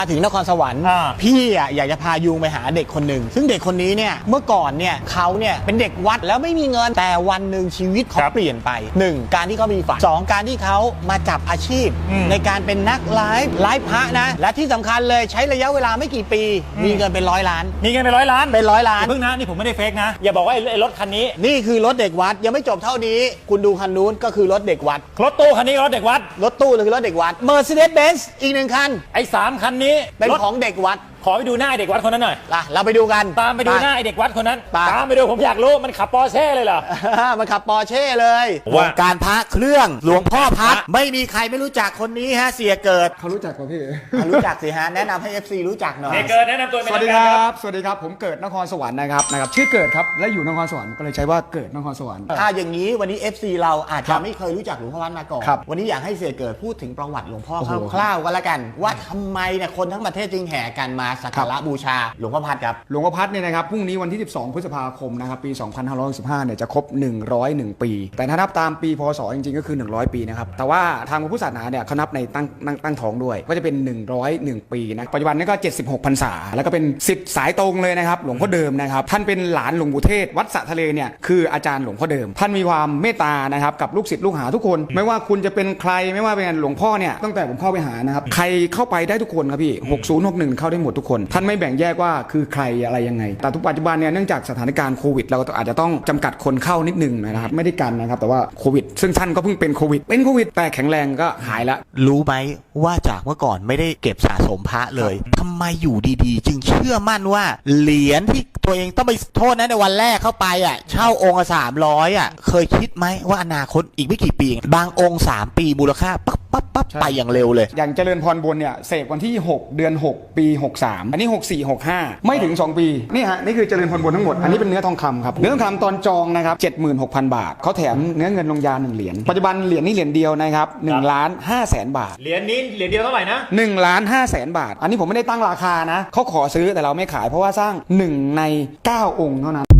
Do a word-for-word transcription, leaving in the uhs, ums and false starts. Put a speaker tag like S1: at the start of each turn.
S1: ถึงนครสวรรค์พี่อ่ะอยากจะพายูงไปหาเด็กคนหนึ่งซึ่งเด็กคนนี้เนี่ยเมื่อก่อนเนี่ยเขาเนี่ยเป็นเด็กวัดแล้วไม่มีเงินแต่วันหนึ่งชีวิตเขาเปลี่ยนไปหนึ่งการที่เขามีฝันสองการที่เขามาจับอาชีพในการเป็นนักไลฟ์ไลฟ์พระนะและที่สำคัญเลยใช้ระยะเวลาไม่กี่ปีมีเงินเป็นร้อยล้าน
S2: มีเงินเป็นร้อยล้าน
S1: เป็นร้อยล้าน
S2: เพิ่งนะนี่ผมไม่ได้เฟกนะอย่าบอกว่าไอ้รถคันนี้
S1: นี่คือรถเด็กวัดยังไม่จบเท่านี้คุณดูคันนู้นก็คือรถเด็กวัด
S2: รถตู้คันนี้รถเด็กวัด
S1: รถตู้คือรถเด็กวัด Mercedes-Benz อีกหนึ่งคัน
S2: ไอ้สามคันนี้
S1: เป็นของเด็กวัด
S2: ขอไปดูหน้าไอเด็กวัดคนนั้นหน่อย
S1: ล่ะเราไปดูกัน
S2: ตามไปดูหน้าไอเด็กวัดคนนั้นตามไปดูผมอยากรู้มันขับปอร์เช่เลยเหรอ
S1: มันขับปอร์เช่เลยวงการพระเครื่องหลวงพ่อพัดไม่มีใครไม่รู้จักคนนี้ฮะเสียเกิด
S3: เขารู้จักป่ะพี่
S1: รู้จักสิฮะแนะนำให้ เอฟ ซี รู้จักหน่อย
S2: เกิดแนะนำตัว
S3: สวัสดีครับสวัสดีครับผมเกิดนครสวรรค์นะครับนะครับชื่อเกิดครับและอยู่นครสวรรค์ก็เลยใช้ว่าเกิดนครสวรรค์
S1: ถ้าอย่างนี้วันนี้ เอฟ ซี เราอาจจะไม่เคยรู้จักหลวงพ่อพัดมาก่อนวันนี้อยากให้เสียเกิดพูดถึงประวัติหลวงพ่อคร่าวๆก็แล้วกันว่าทำไมเนี่ยคนทั้งประเทศจึงแห่กันมาสักการะบูชาหลวงพ่อพัดครับ
S3: หลวงพ่อพัดเนี่ยนะครับพรุ่งนี้วันที่สิบสองพฤษภาคมนะครับปีสองพันห้าร้อยสิบห้าเนี่ยจะครบหนึ่งร้อยเอ็ดปีแต่ถ้านับตามปีพศจริงๆก็คือหนึ่งร้อยปีนะครับแต่ว่าทางพระพุทธศาสนาเนี่ยเขานับในตั้งตั้งตั้งท้องด้วยก็จะเป็นหนึ่งร้อยเอ็ดปีนะปัจจุบันนี้ก็เจ็ดสิบหกพรรษาแล้วก็เป็นศิษย์สายตรงเลยนะครับหลวงพ่อเดิมนะครับท่านเป็นหลานหลวงปู่เทศวัดสะทะเลเนี่ยคืออาจารย์หลวงพ่อเดิมท่านมีความเมตตานะครับกับลูกศิษย์ลูกหาทุกคนไม่ว่าคุณจะเป็นใครไม่ว่าเป็นหลวงพ่อเนี่ยตั้งแต่ผมเข้าไปหานะครับใครเข้าไปได้ทุกคนครับพี่หกศูนย์หกหนึ่งเข้าได้หมดทุกคนท่านไม่แบ่งแยกว่าคือใครอะไรยังไงแต่ทุกปัจจุบันเนี่ยเนื่องจากสถานการณ์โควิดเราก็อาจจะต้องจำกัดคนเข้านิดนึงนะครับไม่ได้กันนะครับแต่ว่าโควิดซึ่งท่านก็เพิ่งเป็นโควิดเป็นโควิดแต่แข็งแรงก็หายละ
S1: รู้ไหมว่าจากเมื่อก่อนไม่ได้เก็บสะสมพระเลยทำไมอยู่ดีๆจึงเชื่อมั่นว่าเหรียญที่ตัวเองต้องไปโทษนะในวันแรกเข้าไปอ่ะเช่าองค์ละสามร้อยอ่ะเคยคิดไหมว่าอนาคตอีกไม่กี่ปีบางองค์สามปีมูลค่าปั๊บปั๊บปั๊บไปอย่างเร็วเลย
S3: อย่างเจริญพรบนเนี่ยเสกวันที่หกเดือนหกปีหกสามอันนี้หกสี่ หกห้าไม่ถึงสองปีนี่ฮะนี่คือเจริญพรบนทั้งหมดอันนี้เป็นเนื้อทองคำครับเนื้อทองคำตอนจองนะครับ เจ็ดหมื่นหกพัน บาทเขาแถมเนื้อเงินลงยาหนึ่งเหรียญปัจจุบันเหรียญนี้เหรียญเดียวนะครับหนึ่งล้านห้าแสนบาท
S2: เหรียญนี้เหรียญเดียวเท่าไหร่นะ
S3: หนึ่งล้านห้าแสนบาทอันนี้ผมไม่ได้ตั้งราคานะเขาขอซื้อแต่เราไม่ขายเพราะว่าสร้างหนึ่งในเก้าองค์เท่านั้น